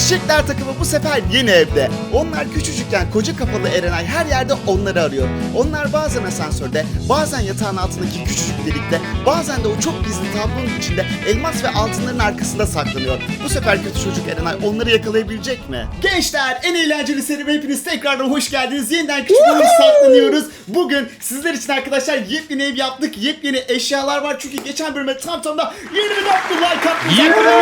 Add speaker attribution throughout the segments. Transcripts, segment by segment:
Speaker 1: Eşekler takımı bu sefer yeni evde. Onlar küçücükken koca kafalı Erenay her yerde onları arıyor. Onlar bazen asansörde, bazen yatağın altındaki küçücük delikte, bazen de o çok gizli tablonun içinde elmas ve altınların arkasında saklanıyor. Bu sefer kötü çocuk Erenay onları yakalayabilecek mi? Gençler, en eğlenceli serime hepiniz tekrardan hoş geldiniz. Yeniden küçük bölüm saklanıyoruz. Bugün sizler için arkadaşlar yepyeni ev yaptık. Yepyeni eşyalar var çünkü geçen bölüme tam da 24 bin like attık.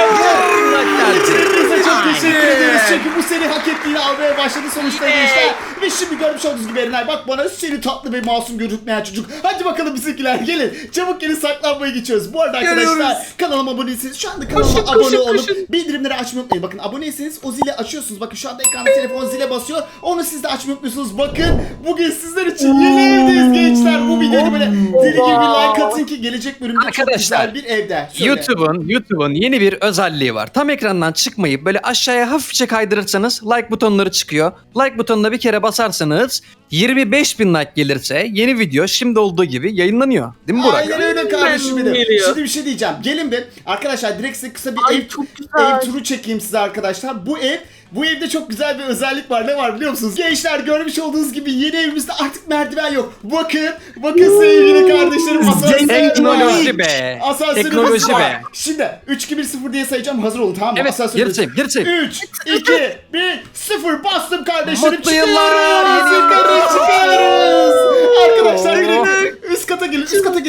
Speaker 1: Çok teşekkür ederiz çünkü bu seri hak ettiğini almaya başladı sonuçta gençler. Ve şimdi görmüş olduğunuz gibi Erenay bak bana seni tatlı ve masum gözükmeyen çocuk. Hadi bakalım bizimkiler gelin. Çabuk gelin saklanmaya geçiyoruz. Bu arada arkadaşlar kanalıma aboneyseniz şu anda kanalıma abone olup bildirimleri açmayı unutmayın. Bakın aboneyseniz o zili açıyorsunuz. Bakın şu anda ekranda telefon zile basıyor. Onu siz de açmayı unutmuyorsunuz. Bakın bugün sizler için yeni evdeyiz gençler. Bu videoyu böyle deli gibi bir like atın ki gelecek bölümde çok güzel bir evde. Söyle.
Speaker 2: YouTube'un yeni bir özelliği var. Tam ekrandan çıkmayıp böyle aşağıya hafifçe kaydırırsanız like butonları çıkıyor. Like butonuna bir kere basarsanız 25 bin like gelirse yeni video şimdi olduğu gibi yayınlanıyor. Değil mi Burak?
Speaker 1: Aynen öyle kardeşim benim. Şimdi bir şey diyeceğim. Gelin bir arkadaşlar direkt size kısa bir ev turu çekeyim size arkadaşlar. Bu evde çok güzel bir özellik var. Ne var biliyor musunuz? Gençler görmüş olduğunuz gibi yeni evimizde artık merdiven yok. Bakın sevgili kardeşlerim.
Speaker 2: Teknoloji be.
Speaker 1: Teknoloji be. Şimdi 3, 2, 1, 0 diye sayacağım. Hazır olun tamam mı?
Speaker 2: Evet geri say.
Speaker 1: 3, 2, 1, 0 bastım kardeşlerim.
Speaker 2: Mutlu yıllar.
Speaker 1: Çıkıyoruz. Arkadaşlar gelin. Üst kata gelin.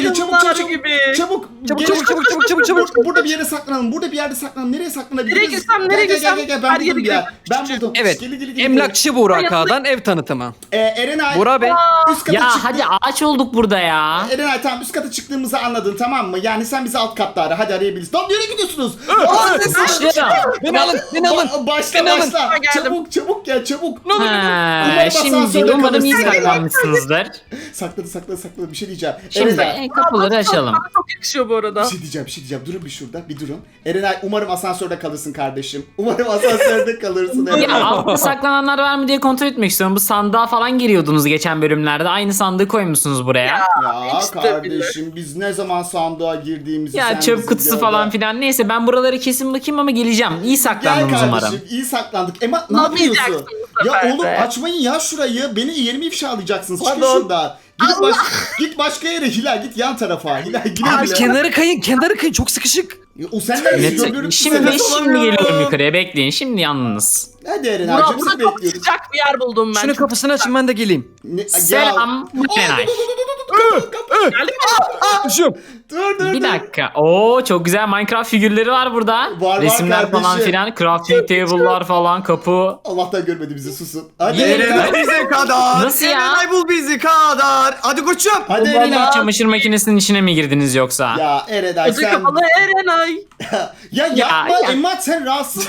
Speaker 1: Çabuk. Burada bir yere saklanalım. Nereye saklanabiliriz?
Speaker 3: Nereye girsem?
Speaker 1: Gel. Ben buldum bir yer.
Speaker 2: Evet.
Speaker 1: Gel.
Speaker 2: Emlakçı Burak Ağa'dan ev tanıtımı.
Speaker 1: Erenay.
Speaker 2: Burak Bey.
Speaker 1: Üst kata
Speaker 4: Ya
Speaker 1: çıktı.
Speaker 4: hadi ağaç olduk burada ya.
Speaker 1: Erenay tamam üst kata çıktığımızı anladın tamam mı? Yani sen bizi alt katta ara. Hadi arayabiliriz. Lan nereye gidiyorsunuz?
Speaker 2: Beni alın.
Speaker 1: Başla.
Speaker 3: Geldim.
Speaker 1: Çabuk gel çabuk.
Speaker 4: Şimdi umarım iyi saklanmışsınızdır.
Speaker 1: Sakladı bir şey diyeceğim.
Speaker 4: Şimdi
Speaker 1: Erenay,
Speaker 4: kapıları açalım.
Speaker 3: Çok yakışıyor bu arada.
Speaker 1: bir şey diyeceğim. Durun bir şurada. Bir durun. Erenay umarım asansörde kalırsın kardeşim. Umarım asansörde kalırsın.
Speaker 4: Ya altta saklananlar var mı diye kontrol etmek istiyorum. Bu sandığa falan giriyordunuz geçen bölümlerde. Aynı sandığı koymuşsunuz buraya.
Speaker 1: Ya
Speaker 3: işte
Speaker 1: kardeşim biz ne zaman sandığa girdiğimizi
Speaker 4: Ya
Speaker 1: sen
Speaker 4: çöp
Speaker 1: bizi
Speaker 4: kutusu
Speaker 1: gör
Speaker 4: falan
Speaker 1: ya.
Speaker 4: filan. Neyse ben buraları kesin bakayım ama geleceğim. İyi
Speaker 1: Gel
Speaker 4: saklandınız umarım.
Speaker 1: kardeşim iyi saklandık. Emma ne yapıyorsun?
Speaker 3: Yapmayacaksın bu
Speaker 1: Ya
Speaker 3: sefer
Speaker 1: oğlum
Speaker 3: de.
Speaker 1: açmayın ya şurayı. Beni yerimi ifşalayacaksınız. Çıkın
Speaker 3: Pardon.
Speaker 1: şuradan. Git başka yere Hilal git yan tarafa. Hilal
Speaker 2: Abi
Speaker 1: güle.
Speaker 2: kenarı kayın çok sıkışık.
Speaker 1: O senden
Speaker 4: Net-
Speaker 1: görüyorum.
Speaker 4: Şimdi geliyorum yukarıya. Bekleyin. Şimdi yalnız.
Speaker 1: Hadi Erenay'cığım
Speaker 3: Burada
Speaker 1: seni
Speaker 3: çok
Speaker 1: bekliyoruz.
Speaker 3: sıcak bir yer buldum ben.
Speaker 2: Şunu kapısını açın ben de geleyim.
Speaker 4: Selam. Erenay.
Speaker 2: Düşüyorum.
Speaker 1: Dur.
Speaker 4: Bir dakika. Oo çok güzel Minecraft figürleri var burada.
Speaker 1: Var
Speaker 4: Resimler falan
Speaker 1: kardeşim.
Speaker 4: filan. Crafting table'lar falan. Kapı.
Speaker 1: Allah'tan görmedi bizi susun. Hadi
Speaker 2: Erenay
Speaker 5: bize kadar.
Speaker 4: Nasıl ya?
Speaker 5: Erenay bul bizi kadar. Hadi koçum.
Speaker 1: Hadi
Speaker 4: Yine
Speaker 1: Erenay.
Speaker 4: çamaşır makinesinin içine mi girdiniz yoksa?
Speaker 1: Ya Erenay
Speaker 3: Koca
Speaker 1: sen...
Speaker 3: kafalı Erenay.
Speaker 1: Ya yapma
Speaker 4: ya.
Speaker 1: Emma sen rahatsız.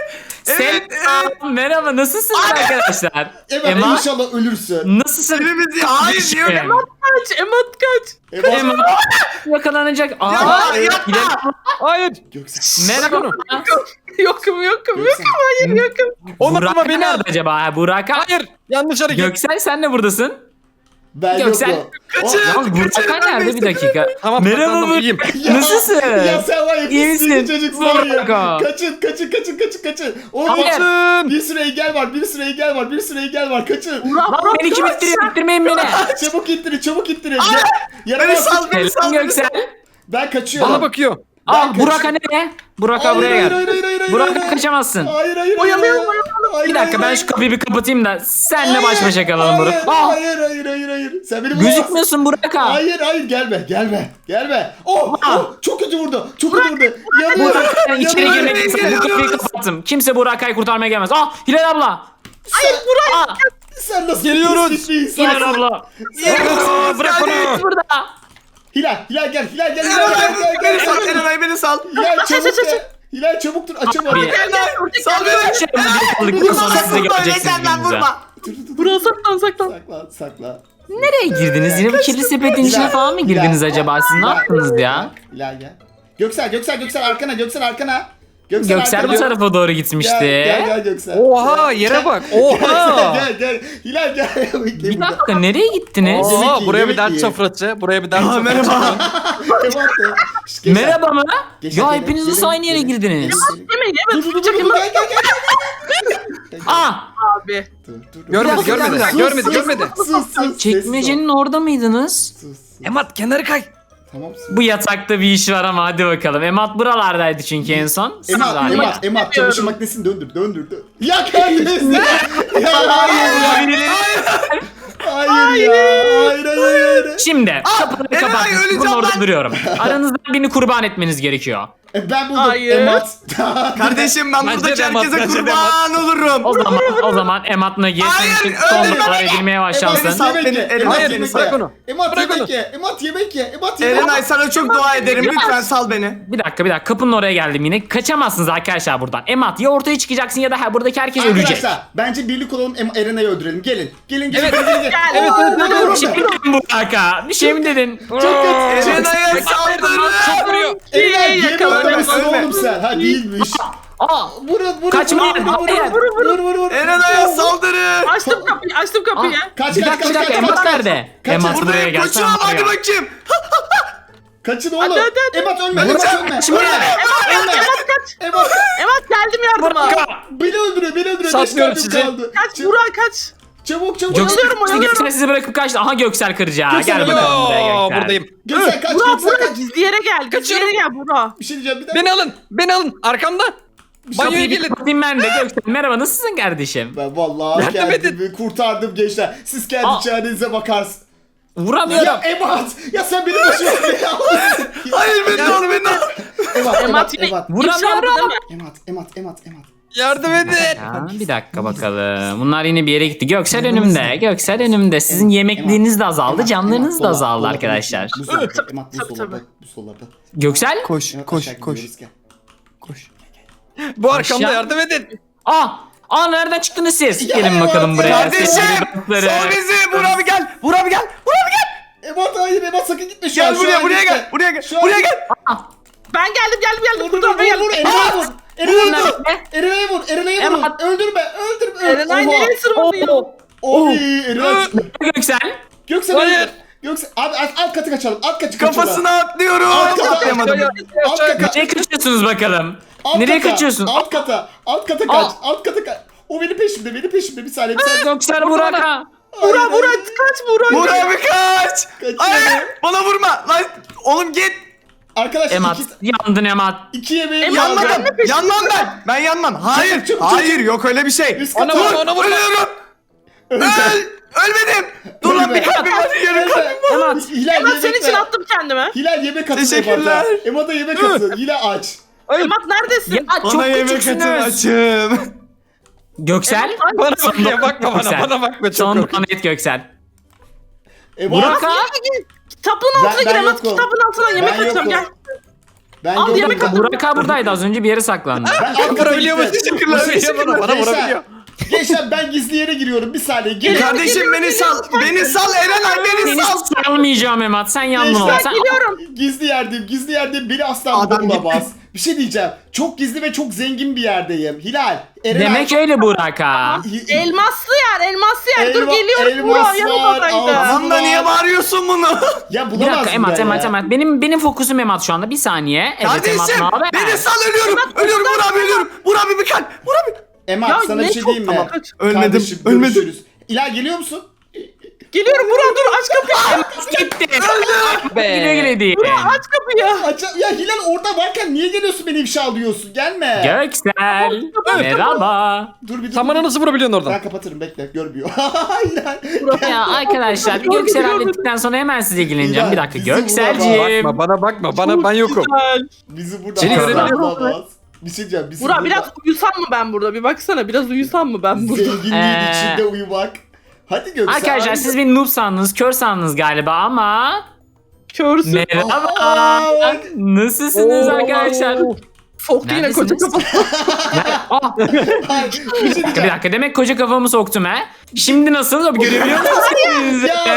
Speaker 4: Selam. Merhaba nasılsınız arkadaşlar?
Speaker 1: Emma inşallah ölürsün.
Speaker 4: Nasılsın?
Speaker 5: Birimiz ya. Hayır diyor.
Speaker 3: Kaç kaç.
Speaker 1: Emma.
Speaker 4: Yakalanacak. Aa,
Speaker 5: yapma.
Speaker 2: Hayır.
Speaker 1: Göksel.
Speaker 4: merhaba.
Speaker 3: Yokum.
Speaker 1: Göksel.
Speaker 3: Hayır yokum.
Speaker 2: Olmadı
Speaker 4: Burak
Speaker 2: beni al.
Speaker 4: nerede acaba? Burak.
Speaker 2: Hayır. Yanlış hareket.
Speaker 4: Göksel sen de buradasın.
Speaker 1: Ben
Speaker 4: Göksel.
Speaker 1: yokum.
Speaker 4: Yalnız Burak nerede bir dakika?
Speaker 2: Tamam.
Speaker 4: Merhaba
Speaker 2: saklandım,
Speaker 4: Burak.
Speaker 2: iyiyim.
Speaker 4: Nasılsın?
Speaker 1: Ya sen var ya
Speaker 4: İyi
Speaker 1: pislik
Speaker 4: misin?
Speaker 1: çocuksun var ya.
Speaker 4: Burak.
Speaker 1: Kaçın. Oğlum
Speaker 4: Hayır.
Speaker 1: bir sürü engel var. Kaçın.
Speaker 4: Lan beni kim ittiriyor? İttirmeyin beni.
Speaker 1: Çabuk ittirin.
Speaker 5: Beni
Speaker 1: Yaramaz.
Speaker 5: sal beni
Speaker 4: Selam
Speaker 5: sal.
Speaker 4: Göksel.
Speaker 1: Ben kaçıyorum.
Speaker 2: Bana bakıyor.
Speaker 4: Aa Burak ne? Burak buraya gel. Burak kaçamazsın.
Speaker 1: Hayır.
Speaker 3: Oyalayalım.
Speaker 4: Bir dakika ben şu kapıyı bir kapatayım da senle baş başa kalalım Burak.
Speaker 1: Hayır. Sen beni bulamazsın.
Speaker 4: Gözükmüyorsun Burak ha.
Speaker 1: Hayır gelme. Oh, çok kötü vurdu. Yanıyorum.
Speaker 4: Burak sen içeri
Speaker 1: Yanıyorum.
Speaker 4: girmek istedim. Bu kapıyı kapattım. Kimse Burak'ı kurtarmaya gelmez. Ah Hilal abla.
Speaker 1: Sen nasıl
Speaker 2: Geliyoruz.
Speaker 1: pislik bir insansın?
Speaker 4: Hilal abla.
Speaker 2: Bırak onu.
Speaker 4: Burada.
Speaker 1: Hilal gel.
Speaker 5: Beni sal. Erenay beni sal.
Speaker 1: Hilal çabuk dur açamadım.
Speaker 4: Bir-
Speaker 5: Sal beni.
Speaker 4: Şey aldıktan sonra size geleceksiniz gününüze.
Speaker 3: Burası saklan.
Speaker 1: Sakla.
Speaker 4: Nereye girdiniz? Yine bu kirli sepetin içine falan mı girdiniz acaba? Siz ne yaptınız ya?
Speaker 1: Hilal gel. Göksel arkana.
Speaker 4: Göksel bu tarafa doğru gitmişti.
Speaker 1: Gel Göksel.
Speaker 2: Oha yere bak. Oha.
Speaker 1: Gel. Hilal gel. Bekle
Speaker 4: Bir
Speaker 1: burada.
Speaker 4: dakika nereye gittiniz?
Speaker 1: Yemek
Speaker 2: Oha
Speaker 1: yiyin,
Speaker 2: buraya bir
Speaker 1: yemek
Speaker 2: dert
Speaker 1: yiyin.
Speaker 2: sofrası. Buraya bir dert sofrası.
Speaker 5: Merhaba.
Speaker 1: Göksel.
Speaker 4: Merhaba mı?
Speaker 1: Geçen
Speaker 4: Ya
Speaker 1: gelin,
Speaker 4: hepiniz nasıl
Speaker 1: gelin,
Speaker 4: aynı yere
Speaker 1: gelin.
Speaker 4: girdiniz?
Speaker 3: Yemeyin
Speaker 1: Dur gel.
Speaker 3: Abi.
Speaker 2: Görmedi, görmedi,
Speaker 1: Sus,
Speaker 2: görmedi,
Speaker 1: sus,
Speaker 2: görmedi.
Speaker 1: Sus.
Speaker 4: Çekmecenin orada mıydınız?
Speaker 1: Sus.
Speaker 2: Emat kenarı kay.
Speaker 1: Tamam.
Speaker 4: Bu yatakta bir iş var ama hadi bakalım. Emat buralardaydı çünkü en son. Siz galiba.
Speaker 1: Emat çamaşır makinesini döndür. Ya kendiniz ya. Ya hayır ya. Hayır ya. Hayır.
Speaker 4: Şimdi kapıları
Speaker 5: Erenay,
Speaker 4: kapattım.
Speaker 5: öleceğim
Speaker 4: Ben orada
Speaker 5: lan.
Speaker 4: duruyorum. Aranızdan birini kurban etmeniz gerekiyor.
Speaker 1: Ben buldum.
Speaker 3: Hayır.
Speaker 1: Emat.
Speaker 5: Kardeşim ben
Speaker 2: Bence
Speaker 5: buradaki
Speaker 2: de Emat,
Speaker 5: herkese
Speaker 2: bence de
Speaker 5: kurban olurum.
Speaker 4: O zaman Emat Nagi
Speaker 5: Hayır,
Speaker 4: senin için son
Speaker 5: öyle
Speaker 4: numaralar
Speaker 5: deme.
Speaker 4: edilmeye
Speaker 1: Emat
Speaker 4: başlansın.
Speaker 5: Sal beni,
Speaker 1: Emat
Speaker 2: Hayır,
Speaker 1: yemek
Speaker 2: bırak
Speaker 1: ye.
Speaker 2: onu.
Speaker 1: Emat
Speaker 2: Bırak
Speaker 1: yemek
Speaker 2: onu.
Speaker 1: ye. Emat yemek ye.
Speaker 5: Erenay sana çok dua ederim. Lütfen sal beni.
Speaker 4: Bir dakika kapının oraya geldim yine. Kaçamazsınız arkadaşlar buradan. Emat ya ortaya çıkacaksın ya da buradaki herkes ölecek.
Speaker 1: Arkadaşlar bence birlik olalım Erenay'ı öldürelim. Gelin. Gelin.
Speaker 2: Evet.
Speaker 1: Gelin.
Speaker 2: Evet,
Speaker 4: Bir şey mi dedin bu dakika? Bir şey mi dedin?
Speaker 5: Erenay'a saldırın.
Speaker 2: Çok vuruyor.
Speaker 1: Erenay
Speaker 3: Yakaladım.
Speaker 1: yemek oğlum sen. Ha değilmiş.
Speaker 4: Aa,
Speaker 1: Vurun.
Speaker 4: Kaçma, hayır.
Speaker 1: Vur.
Speaker 5: Erenay'a saldırın.
Speaker 3: Açtım kapıyı.
Speaker 1: Kaç.
Speaker 4: bir dakika Emat nerede? Emat buraya
Speaker 5: Buradayım
Speaker 4: gel.
Speaker 5: koçum hadi bakayım.
Speaker 1: Kaçın oğlum.
Speaker 3: Hadi.
Speaker 1: Emat ölme.
Speaker 5: Hadi.
Speaker 1: Emat ölme.
Speaker 4: Kaçma.
Speaker 3: Emat kaç.
Speaker 1: Emat.
Speaker 3: Emat geldim yardıma.
Speaker 1: Beni öldürüyor. Beş
Speaker 2: Satmıyorum
Speaker 1: kalbim
Speaker 2: sizi.
Speaker 1: kaldı.
Speaker 3: Kaç Burak kaç.
Speaker 1: Çabuk.
Speaker 4: Göksel sizi bırakıp kaçtı. Aha Göksel kırıcı ha.
Speaker 1: Göksel,
Speaker 4: Gel bakalım buraya
Speaker 2: Yo,
Speaker 4: Göksel.
Speaker 2: buradayım.
Speaker 1: Göksel kaç.
Speaker 3: Burak gizli yere gel. Gizli
Speaker 2: Kaçıyorum.
Speaker 3: yere gel Burak.
Speaker 1: Bir şey diyeceğim bir dakika.
Speaker 2: Beni alın. Arkamda. Banyoya
Speaker 4: Kapıyı bir
Speaker 2: gelin.
Speaker 4: kapatayım ben de Göksel. Merhaba nasılsın kardeşim?
Speaker 1: Ben vallahi
Speaker 2: Yardım
Speaker 1: kendimi kurtardım gençler. Siz kendi
Speaker 4: Aa.
Speaker 1: çarenize bakarsınız.
Speaker 4: Vuramıyorum.
Speaker 1: Ya Emat! Ya sen beni başına
Speaker 5: Hayır beni al beni al.
Speaker 1: Emat.
Speaker 4: Vuramıyorum.
Speaker 1: Emat.
Speaker 2: Yardım edin.
Speaker 4: Ya, bir dakika bakalım. Bunlar yine bir yere gitti. Göksel önümde. Göksel önümde. Sizin yemekliğiniz de azaldı. Canlarınız da azaldı arkadaşlar.
Speaker 1: Emat buzdolabı.
Speaker 4: Göksel?
Speaker 5: Koş
Speaker 2: Bu arkamda
Speaker 4: Aşağı-
Speaker 2: yardım edin.
Speaker 4: Aa nereden çıktınız siz?
Speaker 1: Ya,
Speaker 4: Gelin bakalım
Speaker 1: evet,
Speaker 4: buraya.
Speaker 5: Kardeşim
Speaker 4: Sevgili dostları.
Speaker 5: sal bizi. Burak abi gel. Burak abi gel.
Speaker 1: Emat hayır Emat sakın gitme şu an.
Speaker 5: Gel buraya gel. Buraya gel.
Speaker 1: Şu an
Speaker 5: Buraya
Speaker 1: git.
Speaker 5: gel.
Speaker 3: Ben geldim.
Speaker 1: Vur
Speaker 3: Burak ben geldim.
Speaker 1: Erenay'ı vur. Erenay'ı vur.
Speaker 3: Emat.
Speaker 1: Öldürme.
Speaker 3: Erenay
Speaker 1: Oha.
Speaker 3: nereye sırmanıyor?
Speaker 1: Oy Erenay.
Speaker 4: Göksel.
Speaker 1: Göksel
Speaker 2: Hayır.
Speaker 1: öldü. Göksel abi alt katı kaçalım. Alt katı
Speaker 5: Kafasına atlıyorum.
Speaker 1: Alt kata.
Speaker 5: Atlayamadım.
Speaker 1: Alt kata.
Speaker 4: Nereye kaçıyorsunuz bakalım?
Speaker 1: Alt
Speaker 4: Nereye
Speaker 1: kata,
Speaker 4: kaçıyorsun?
Speaker 1: Alt kata kaç.
Speaker 4: Aa.
Speaker 1: Alt kata kaç. O benim peşimde. Bir saniye.
Speaker 4: Göksel Burak'a.
Speaker 3: Burak kaç Burak.
Speaker 5: Burak abi kaç.
Speaker 1: Kaçıyor.
Speaker 5: Hayır bana vurma. Lan oğlum git.
Speaker 1: Arkadaşlar
Speaker 4: Emat. Yandın Emat.
Speaker 1: iki yemeğim
Speaker 3: Emat,
Speaker 1: kaldı.
Speaker 3: ben de
Speaker 5: Yanmam ben. Ben yanmam. Hayır.
Speaker 1: Çabuk,
Speaker 5: Hayır yok öyle bir şey.
Speaker 1: Üst
Speaker 2: Ona
Speaker 1: kata.
Speaker 2: vurma, ona vurma.
Speaker 5: Ölüyorum. Ölmedim. Dur lan bir kalbim var. Yarım kalbim var.
Speaker 4: Emat.
Speaker 1: Hilal
Speaker 3: Emat
Speaker 1: yemek
Speaker 3: senin için
Speaker 1: ver.
Speaker 3: attım kendime.
Speaker 1: Hilal yemek atın
Speaker 5: Teşekkürler.
Speaker 1: Emat'a. Emat'a yemek atın. Hilal aç.
Speaker 3: Emat neredesin?
Speaker 4: Ya çok
Speaker 5: Bana yemek atın
Speaker 4: küçüksünüz.
Speaker 5: açım.
Speaker 4: Göksel.
Speaker 2: Bana bakıyor, bakma
Speaker 4: Göksel.
Speaker 2: bana bakma. Çok
Speaker 4: Son
Speaker 2: korkunç.
Speaker 4: net Göksel.
Speaker 1: Emat.
Speaker 4: Burak abi.
Speaker 3: Kitabın altına
Speaker 1: Ben
Speaker 3: gir Emat.
Speaker 1: yokum.
Speaker 3: Kitabın altına yemek
Speaker 1: Ben
Speaker 3: atacağım
Speaker 1: yokum.
Speaker 3: gel.
Speaker 1: Ben
Speaker 3: Al,
Speaker 1: yokum.
Speaker 3: yemek
Speaker 1: Ben-
Speaker 3: atın.
Speaker 4: Burak abi buradaydı az önce bir yere saklandı.
Speaker 1: Ben alt kata
Speaker 2: Vurabiliyor mu?
Speaker 1: gittim.
Speaker 2: Teşekkürler. Bana vurabiliyor.
Speaker 1: Gençler ben gizli yere giriyorum. Bir saniye. Gelin.
Speaker 5: Kardeşim beni sal. Beni sal Erenay beni
Speaker 4: Seni
Speaker 5: sal.
Speaker 4: salmayacağım Emat. Sen yandın o.
Speaker 1: Gençler,
Speaker 4: Sen...
Speaker 3: Geliyorum.
Speaker 1: Gizli yerdeyim. Beni asla
Speaker 5: Adam
Speaker 1: bulamaz. Bir şey diyeceğim. Çok gizli ve çok zengin bir yerdeyim. Hilal. Erenay.
Speaker 4: Demek öyle Burak ha.
Speaker 3: Elmaslı yer. Dur
Speaker 1: Elma-
Speaker 3: geliyorum
Speaker 1: elmas
Speaker 3: Burak
Speaker 1: var,
Speaker 3: yanımadaydı.
Speaker 1: al.
Speaker 5: Tamam da niye bağırıyorsun bunu?
Speaker 1: Ya
Speaker 4: Bir
Speaker 1: bulamaz
Speaker 4: dakika Emat. Benim fokusum Emat şu anda. Bir saniye. Evet Emat
Speaker 5: Kardeşim
Speaker 4: ne haber?
Speaker 5: beni sal ölüyorum. Ölüyorum Burak abi ölüyorum. Burak abi bir kalp. Burak abi.
Speaker 1: Emat
Speaker 3: Ya
Speaker 1: sana
Speaker 3: ne
Speaker 1: bir şey
Speaker 3: çok-
Speaker 1: diyeyim mi?
Speaker 3: Tamam.
Speaker 5: Ölmedim,
Speaker 1: Kardeşim,
Speaker 5: ölmedim.
Speaker 1: görüşürüz. Hilal geliyor musun?
Speaker 3: Geliyorum Burak dur aç kapıyı.
Speaker 4: Gitti.
Speaker 2: Be.
Speaker 4: Güle güle değil.
Speaker 3: Aç kapıyı.
Speaker 1: Ya Hilal orada varken niye geliyorsun beni ifşa alıyorsun? Gelme.
Speaker 4: Göksel. Merhaba.
Speaker 1: Dur bir dur.
Speaker 2: Sen bana nasıl vurabiliyorsun oradan?
Speaker 1: Ben kapatırım bekle görmüyor. Hilal.
Speaker 4: Ya arkadaşlar bir Göksel hallettikten sonra hemen size ilgileneceğim. Bir dakika
Speaker 1: Bizi bulamaz.
Speaker 4: Gökselciğim.
Speaker 2: Bakma, bana ben yokum.
Speaker 3: Güzel.
Speaker 1: Bizi burada
Speaker 2: Seni
Speaker 1: asla
Speaker 2: görebiliyorum.
Speaker 1: bulamaz. Bir şey diyeceğim. Bizi
Speaker 3: Burak
Speaker 1: burada
Speaker 3: biraz uyusam mı ben burada? Bir baksana biraz uyusam mı ben burada?
Speaker 1: zenginliğin içinde uyumak. Hadi Göksel.
Speaker 4: Arkadaşlar
Speaker 1: hadi.
Speaker 4: siz beni noob sandınız, kör sandınız galiba ama...
Speaker 3: Körsün.
Speaker 4: Merhaba.
Speaker 1: Aa, bak.
Speaker 4: Nasılsınız arkadaşlar?
Speaker 3: Soktu yine koca
Speaker 4: Neredesiniz?
Speaker 3: kafası.
Speaker 4: Ah,
Speaker 1: Bir şey
Speaker 4: bir
Speaker 1: diyeceğim.
Speaker 4: dakika demek koca kafamı soktum he. Şimdi nasıl? Görebiliyor musunuz?
Speaker 1: Ya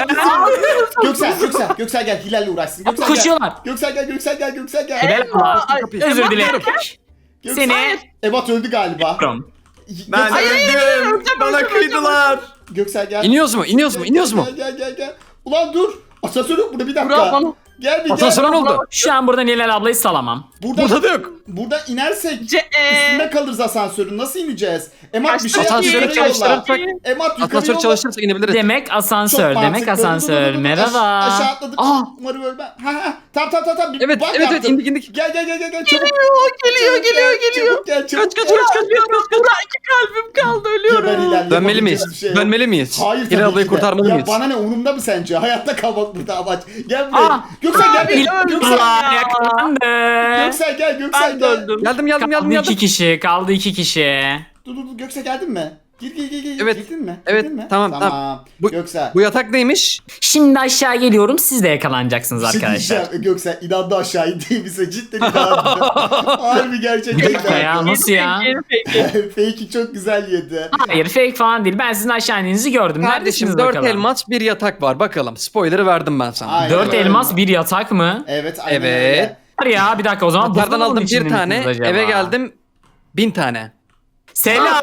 Speaker 1: Göksel gel Hilal'le uğraşsın. Göksel
Speaker 4: Koşuyorlar.
Speaker 1: Göksel gel.
Speaker 4: Merhaba.
Speaker 3: Ay,
Speaker 4: Özür
Speaker 3: Emat
Speaker 4: dilerim.
Speaker 1: Göksel.
Speaker 4: Seni...
Speaker 1: Ebat öldü galiba.
Speaker 5: Ben öldüm. Bana kıydılar.
Speaker 1: Göksel gel.
Speaker 2: İniyoruz mu?
Speaker 1: Gel. Ulan dur. Asansör yok burada bir dakika.
Speaker 3: Burak bana.
Speaker 1: Gel bir
Speaker 2: Asansöre
Speaker 1: gel.
Speaker 2: ne oldu?
Speaker 4: Şu an burada Nilal ablayı salamam.
Speaker 2: Burada da yok.
Speaker 1: Burada inersek
Speaker 3: Ce
Speaker 1: üstünde kalırız asansörün. Nasıl ineceğiz? Emat bir şey yap,
Speaker 2: Asansörü
Speaker 1: yukarı yolla.
Speaker 2: çalıştırırsak
Speaker 1: Emat yukarı
Speaker 2: asansör
Speaker 1: yolla.
Speaker 2: çalışırsa inebiliriz.
Speaker 4: Demek asansör,
Speaker 1: Çok
Speaker 4: demek
Speaker 1: mantıklı.
Speaker 4: asansör.
Speaker 1: Dur.
Speaker 4: Merhaba.
Speaker 1: Aşağı atladık.
Speaker 4: Aa.
Speaker 1: Umarım ölmem. Ha. Tamam. Bir
Speaker 2: Evet
Speaker 1: bak
Speaker 2: evet
Speaker 1: yaptım.
Speaker 2: indik.
Speaker 1: Gel. Çabuk.
Speaker 3: Geliyor.
Speaker 1: Çabuk gel.
Speaker 2: Kaç.
Speaker 3: Burak 2 kalbim kaldı
Speaker 1: Geber
Speaker 3: ölüyorum.
Speaker 1: ilerle,
Speaker 2: Dönmeli
Speaker 1: yapabileceğimiz
Speaker 2: miyiz?
Speaker 1: bir şey yok.
Speaker 2: Dönmeli miyiz?
Speaker 1: Hayır
Speaker 2: Hilal
Speaker 1: tabii
Speaker 2: ablayı
Speaker 1: ki de.
Speaker 2: kurtarmalı
Speaker 1: Ya
Speaker 2: mıyız?
Speaker 1: bana ne, umurumda mı sence? Hayatta kalmak burada amaç. Gel buraya.
Speaker 4: Aa.
Speaker 1: Göksel gel.
Speaker 3: Abi,
Speaker 1: Göksel.
Speaker 4: Ulan yakalandı.
Speaker 1: Göksel gel.
Speaker 3: Ben döndüm.
Speaker 2: Geldim.
Speaker 4: Kaldı 2 kişi, kaldı 2 kişi.
Speaker 1: Dur. Göksel geldin mi? Gir.
Speaker 2: Evet.
Speaker 1: Girdin mi?
Speaker 2: Evet,
Speaker 1: Girdin mi?
Speaker 2: tamam. Bu-
Speaker 1: Göksel.
Speaker 2: Bu yatak neymiş?
Speaker 4: Şimdi aşağı geliyorum, siz de yakalanacaksınız
Speaker 1: Bir şey
Speaker 4: arkadaşlar.
Speaker 1: diyeceğim, Göksel inandı aşağı indiğimize cidden inandı. Harbi gerçekten
Speaker 4: Bir dakika ya, nasıl ya?
Speaker 3: Peki.
Speaker 1: Fake'i çok güzel yedi.
Speaker 4: Hayır, fake falan değil. Ben sizin aşağı indiğinizi gördüm.
Speaker 2: Kardeşim
Speaker 4: Neredesiniz
Speaker 2: 4
Speaker 4: bakalım?
Speaker 2: elmas bir yatak var. Bakalım. Spoiler'ı verdim ben sana.
Speaker 1: Aynen
Speaker 4: 4
Speaker 1: öyle.
Speaker 4: elmas, bir yatak mı?
Speaker 1: Evet aynen
Speaker 2: Evet.
Speaker 1: öyle.
Speaker 4: Var ya, bir dakika o zaman.
Speaker 2: Yataklardan
Speaker 4: buzdolabının
Speaker 2: aldım
Speaker 4: içinde
Speaker 2: bir tane.
Speaker 4: misiniz acaba?
Speaker 2: Eve geldim 1000 tane.
Speaker 4: Selam.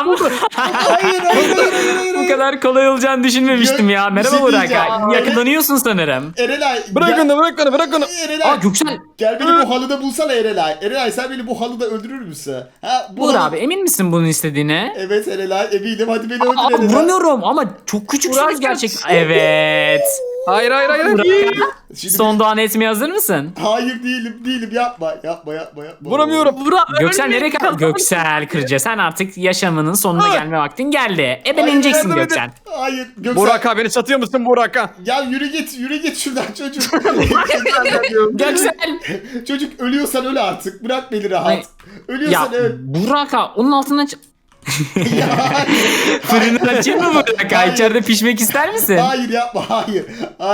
Speaker 1: Hayır.
Speaker 4: Bu kadar kolay olacağını düşünmemiştim ya.
Speaker 1: Bir
Speaker 4: Merhaba
Speaker 1: şey
Speaker 4: Burak.
Speaker 1: diyeceğim.
Speaker 4: Yakalanıyorsun sanırım.
Speaker 1: Erelay.
Speaker 2: Bırak onu.
Speaker 1: Erelay.
Speaker 4: Aa Göksel.
Speaker 1: Gel beni bu halıda bulsana Erelay. Erelay sen beni bu halıda öldürür müsün? Ha, bu
Speaker 4: Burak
Speaker 1: halı-
Speaker 4: abi, emin misin bunun istediğine?
Speaker 1: Evet Erelay eminim, hadi beni öldür
Speaker 4: Aa,
Speaker 1: Erelay.
Speaker 4: vuramıyorum ama çok küçüksünüz
Speaker 3: Burak
Speaker 4: gerçekten. Evet.
Speaker 2: Hayır.
Speaker 1: Şimdi
Speaker 4: Son doğan etmeye hazır mısın?
Speaker 1: Hayır değilim yapma.
Speaker 2: Vuramıyorum.
Speaker 3: Burak
Speaker 4: Göksel nereye
Speaker 3: ölmeyi
Speaker 4: kaldı? Göksel Kırca, sen artık yaşamının sonuna gelme vaktin geldi. Ebeleneceksin
Speaker 1: Hayır,
Speaker 4: Göksel.
Speaker 1: Hayır Göksel.
Speaker 2: Burak abi beni satıyor musun Burak abi?
Speaker 1: Ya yürü git şuradan çocuk.
Speaker 4: Göksel.
Speaker 1: Çocuk ölüyorsan öl artık. Bırak beni rahat.
Speaker 4: Ay.
Speaker 1: Ölüyorsan
Speaker 4: Ya
Speaker 1: öl.
Speaker 4: Burak abi, onun altından
Speaker 1: Ya, hayır.
Speaker 4: fırını açayım mı Burak abi?
Speaker 1: Hayır.
Speaker 4: İçeride pişmek ister misin?
Speaker 1: Hayır yapma hayır.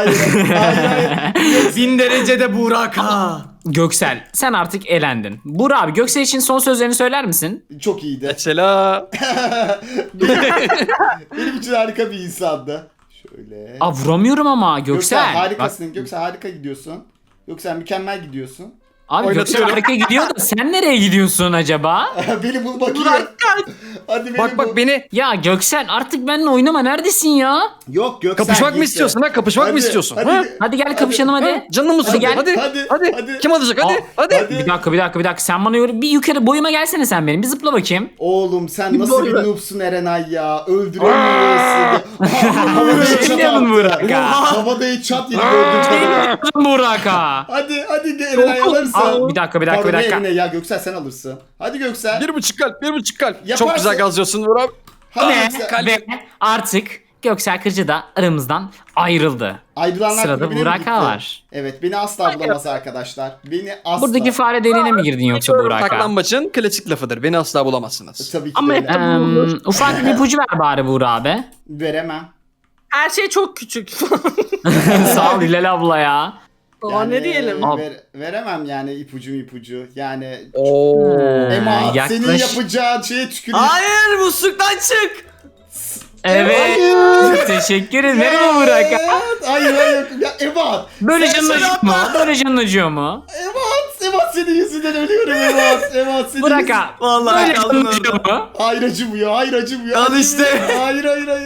Speaker 5: 1000 derecede Burak ha.
Speaker 4: Göksel, sen artık elendin. Burak abi, Göksel için son sözlerini söyler misin?
Speaker 1: Çok iyiydi.
Speaker 2: Mesela
Speaker 1: Benim için harika bir insandı. Şöyle.
Speaker 4: Aa, vuramıyorum ama
Speaker 1: Göksel
Speaker 4: Göksel. Bak,
Speaker 1: harikasın. Göksel harika gidiyorsun. Göksel mükemmel gidiyorsun.
Speaker 4: abi Göksel
Speaker 2: Oynatıyorum.
Speaker 4: harika gidiyor da sen nereye gidiyorsun acaba?
Speaker 1: Beni bulmak iyi.
Speaker 3: Burak kaç.
Speaker 1: Hadi beni
Speaker 2: bak
Speaker 1: bul.
Speaker 2: beni.
Speaker 4: Ya Göksel, artık benimle oynama, neredesin ya?
Speaker 1: Yok Göksel
Speaker 2: Kapışmak mı
Speaker 1: gitti.
Speaker 2: istiyorsun ha? Kapışmak mı
Speaker 1: Hadi,
Speaker 2: istiyorsun?
Speaker 1: hadi.
Speaker 2: Ha?
Speaker 4: Hadi gel kapışalım hadi.
Speaker 2: Ha? Canım mı
Speaker 4: Hadi
Speaker 2: sıkıldı?
Speaker 4: gel.
Speaker 2: Hadi. Kim alacak? Hadi.
Speaker 4: Aa,
Speaker 2: Hadi.
Speaker 4: Bir dakika. Sen bana bir yukarı boyuma gelsene sen benim. Bir zıpla bakayım.
Speaker 1: Oğlum sen nasıl bir
Speaker 3: Doğru.
Speaker 1: noobsun Erenay ya. Öldüremiyorsun. Havada headshot
Speaker 4: Bilmiyorum
Speaker 1: attı.
Speaker 4: Burak ya.
Speaker 1: Havada headshot yedi gördüğün kadarıyla.
Speaker 4: Burak ha.
Speaker 1: Hadi gel Erenay alırsın.
Speaker 4: Aa, bir dakika.
Speaker 1: Pardon, ne Erenay ya, Göksel sen alırsın. Hadi Göksel.
Speaker 2: 1,5 kalp. 1,5 kalp.
Speaker 1: Yaparsın.
Speaker 2: Çok güzel gazlıyorsun Burak.
Speaker 1: Hadi
Speaker 4: Ve,
Speaker 1: Göksel.
Speaker 4: ve artık Göksel Kırcı da aramızdan ayrıldı.
Speaker 1: Ayrılanlar
Speaker 4: Sırada
Speaker 1: kulübüne mi
Speaker 4: Burak
Speaker 1: gitti?
Speaker 4: var.
Speaker 1: Evet beni asla bulamaz arkadaşlar. Beni asla.
Speaker 4: Buradaki fare deliğine mi girdin yoksa Burak ha?
Speaker 2: Saklambaçın klasik lafıdır. Beni asla bulamazsınız.
Speaker 1: Tabii ki
Speaker 3: Ama
Speaker 1: de
Speaker 3: hep
Speaker 1: öyle.
Speaker 3: de
Speaker 4: Ufak bir ipucu ver bari Burak abi.
Speaker 1: Veremem.
Speaker 3: Her şey çok küçük.
Speaker 4: Sağ ol Hilal abla ya.
Speaker 3: Aa, ne diyelim?
Speaker 1: Veremem yani ipucu. Yani
Speaker 2: Oo.
Speaker 1: Ema
Speaker 4: yaklaş-
Speaker 1: senin yapacağın şeye tüküreyim.
Speaker 5: Hayır musluktan çık.
Speaker 4: Evet. Teşekkür ederim. Merhaba Burak ha.
Speaker 1: Hayır. Ya Ema.
Speaker 4: Böyle
Speaker 1: sen
Speaker 4: canın
Speaker 1: şey
Speaker 4: acıyor mu? Böyle canın acıyor mu?
Speaker 1: Ema senin yüzünden ölüyorum Ema senin
Speaker 4: Burak
Speaker 1: yüzünden.
Speaker 4: ha.
Speaker 5: Vallahi
Speaker 4: Böyle
Speaker 5: kaldın
Speaker 4: canın
Speaker 5: orada.
Speaker 4: acıyor mu?
Speaker 1: Hayır acımıyor.
Speaker 5: Al işte.
Speaker 1: Hayır.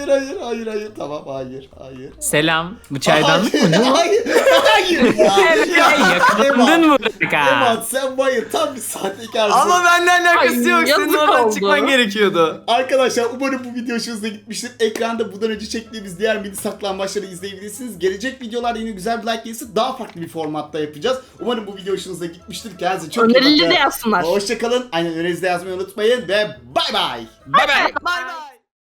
Speaker 1: Tamam hayır.
Speaker 4: Selam. Bu çaydanlık mı? Ne o?
Speaker 1: Hayır ya.
Speaker 4: Yakalandın mı Burak ha?
Speaker 1: Ema sen bayır tam bir sahtekarsın.
Speaker 5: Ama benimle alakası
Speaker 3: Ay,
Speaker 5: yok. Senin
Speaker 3: yazık
Speaker 5: oradan
Speaker 3: oldu.
Speaker 5: çıkman gerekiyordu.
Speaker 1: Arkadaşlar umarım bu video hoşunuza gitmiştir. Ekranda bundan önce çektiğimiz diğer mini saklambaçları izleyebilirsiniz. Gelecek videolarda yine güzel bir like gelirse daha farklı bir formatta yapacağız. Umarım bu video hoşunuza gitmiştir. Kendinize çok iyi bakın.
Speaker 3: Önerileri de yazsınlar.
Speaker 1: Hoşçakalın. Aynen önerinizi de yazmayı unutmayın ve bay bay.
Speaker 2: Bay bay.
Speaker 5: Bay bay.